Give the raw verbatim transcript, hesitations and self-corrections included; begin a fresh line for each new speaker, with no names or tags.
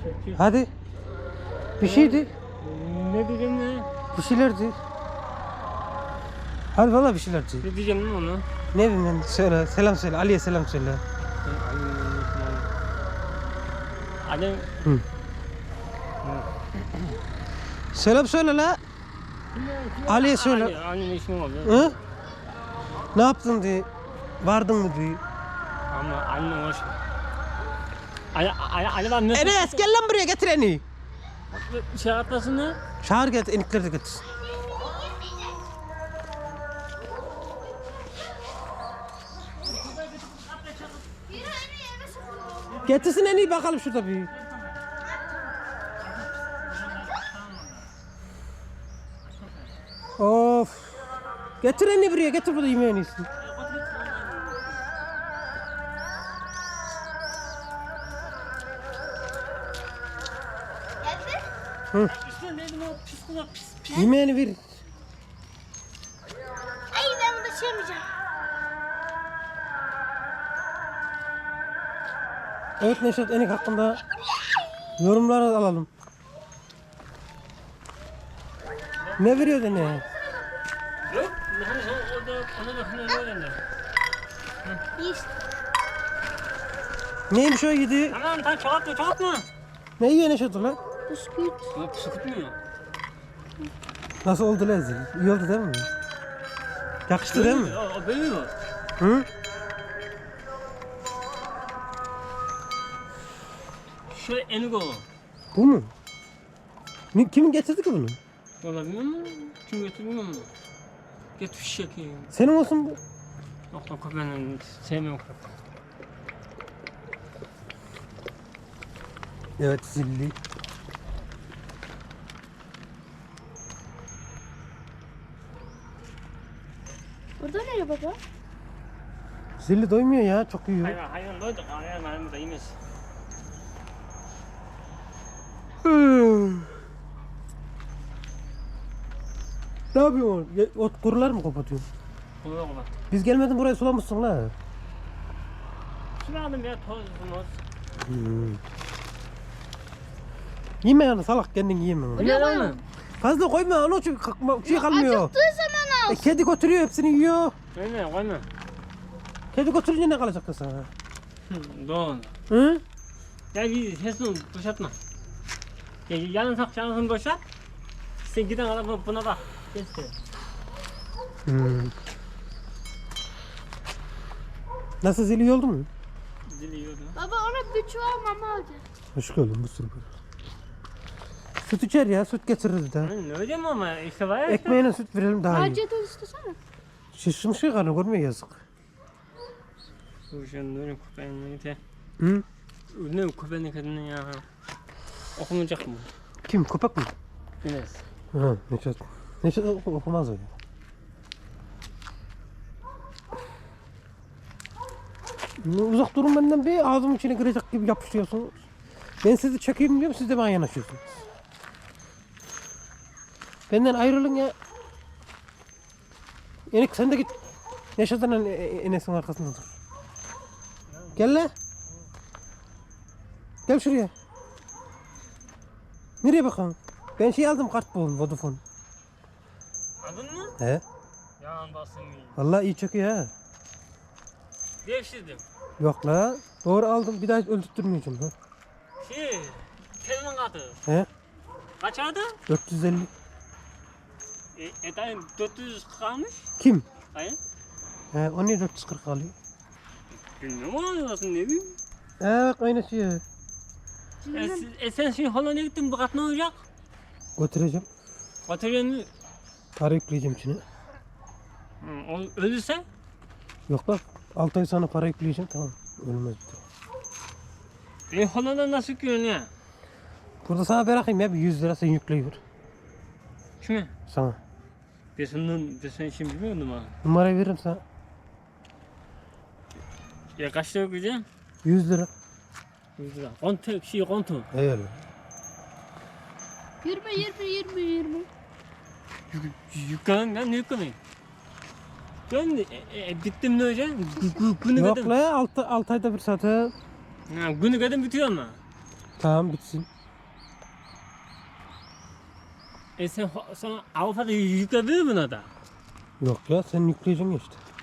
Hadi. Bir şeydi.
Ne diyeceğim ne?
Bir şeylerdi. Hadi valla bir şeylerdi.
Ne diyeceğim lan onu?
Ne bileyim ben, söyle. Selam söyle. Ali'ye selam söyle.
Ali.
Hı. Selam söyle la. Ali'ye söyle.
Ali, Ali'nin ismi oluyor.
Hı? Ne yaptın diye. Vardın mı diye.
Ama Ali'nin hoş. Ali, Ali, Ali var nasıl?
Enes gel lan buraya getir eni.
Şey atlasını.
Çağır getir, enikleri de getir. Getirsin en iyi bakalım şurada bir. Of. Getir en iyi buraya, getir burada yemeğin iyisi. Hı.
İşte dedim o pis kulak pis pis.
Yemeğini ver.
Ay ben bunu taşıyamayacağım.
Evet Neşet Enik hakkında yorumları alalım. Ne veriyor da ne?
Yok. Hani sen orada ona da hani öyle.
Yiyiz.
Neymiş o yedi?
Tamam tamam çoğaltma çoğaltma.
Ne yiyor Neşet ulan?
Bisküvit.
Yok sıkıtmıyor.
Nasıl oldu lan zil? İyi oldu değil mi? Yakıştı değil mi?
O, o büyüyor.
Hı?
Şöyle enik o.
Bu mu? Ne, kimin getirdi ki bunu?
Valla bilmiyorum mu? Kim götürdü bilmiyorum mu? Getir şişek ya.
Senin olsun bu.
Yok yok ben sevmiyorum köpek.
Evet zilli.
Burada nereye baba?
Zilli doymuyor ya, çok yiyor.
Hayvan hayvan doyduk. Hayvan hayvan da yemez.
Hmm. Ne yapıyorsun? Ya, ot kurular mı kapatıyorsun?
Bunu yok bak.
Biz gelmeden burayı sulamışsın la.
Şunu aldım ya toz toz.
Hmm. Yeme yani salak, kendin yeme. onu.
Ne lan lan?
Fazla koyma, onu çünkü kalkma- şey kalmıyor.
Acıktığı zaman al.
E, kedi götürüyor, hepsini yiyor.
Koyma koyma.
Kedi götürünce ne kalacak da sana?
Hı, doğru.
Hı?
Gel bir sesini boşaltma. Gel yanın sak yanını boşalt. Sen giden araba buna bak. Kes de.
Hmm. Nasıl zili iyi oldu mu?
Dili yiyordu.
Baba ona bir çuval mama alacağız.
Hoş geldin bu sürü. Süt içer ya, süt getirir de.
Ne diyeceğim ama işte var ya.
Ekmeğine süt verelim daha iyi.
Harcı da istesene.
Şişmiş şey karnı görmüyor, yazık.
Bu şu ne köpeğin neydi?
Hı?
Ne köpeğin kadını ya. Okumayacak mı?
Kim, köpek mi?
Enes.
Ha, Neşet. Neşet oku- okumaz o ya. Ne, uzak durun benden bir, ağzımın içine girecek gibi yapışıyorsunuz. Ben sizi çekeyim diyorum, siz de bana yanaşıyorsunuz. Benden ayrılın ya. Enik sen de git. Neşet'den En- Enes'in arkasında dur. Gel la. Gel şuraya. Nereye bakalım? Ben şey aldım, kart buldum, Vodafone.
Aldın mı?
He.
Yalan basın iyi.
Vallahi iyi çekiyor ha.
Devşirdim.
Yok la. Doğru aldım, bir daha öldürtmeyeceğim ha.
Şey, kelime katı.
He.
Kaç aldı?
dört yüz elli.
E, etayım dört yüz kalmış.
Kim?
Hayır.
He, o niye dört yüz kırk alıyor?
Bilmiyorum ama nasıl ne bileyim.
He bak aynı şey.
E, siz- e sen şimdi Hollanda'ya gittin bu kat ne olacak?
Götüreceğim.
Bataryonu
Para yükleyeceğim içine.
Hı, o ölürse
Yok bak. altı ay sonra para yükleyeceğim, tamam. Ölmez.
e, Hollanda nasıl görünüyor?
Burada sana bırakayım ya, bir yüz lira sen yükleyiver.
Kime?
Sana.
Ben senin, ben senin için bilmiyordum ha.
Numarayı veririm sana.
Ya kaç lira ödeyeceğim?
yüz lira.
yüz lira. Kontu, şey kontu.
Eyvallah.
Yirmi yirmi yirmi yirmi.
Yüklenin ben ne yüklenin? Ben e, e, bittim ne olacak? Gü- gü- Günü
Yok
kadın.
la, altı ayda bir saate.
Ha, günü kadın bitiyor mu?
Tamam bitsin.
E sen, sen Avrupa'da yükledin mi buna da?
Yok ya sen yükleyeceksin ya işte.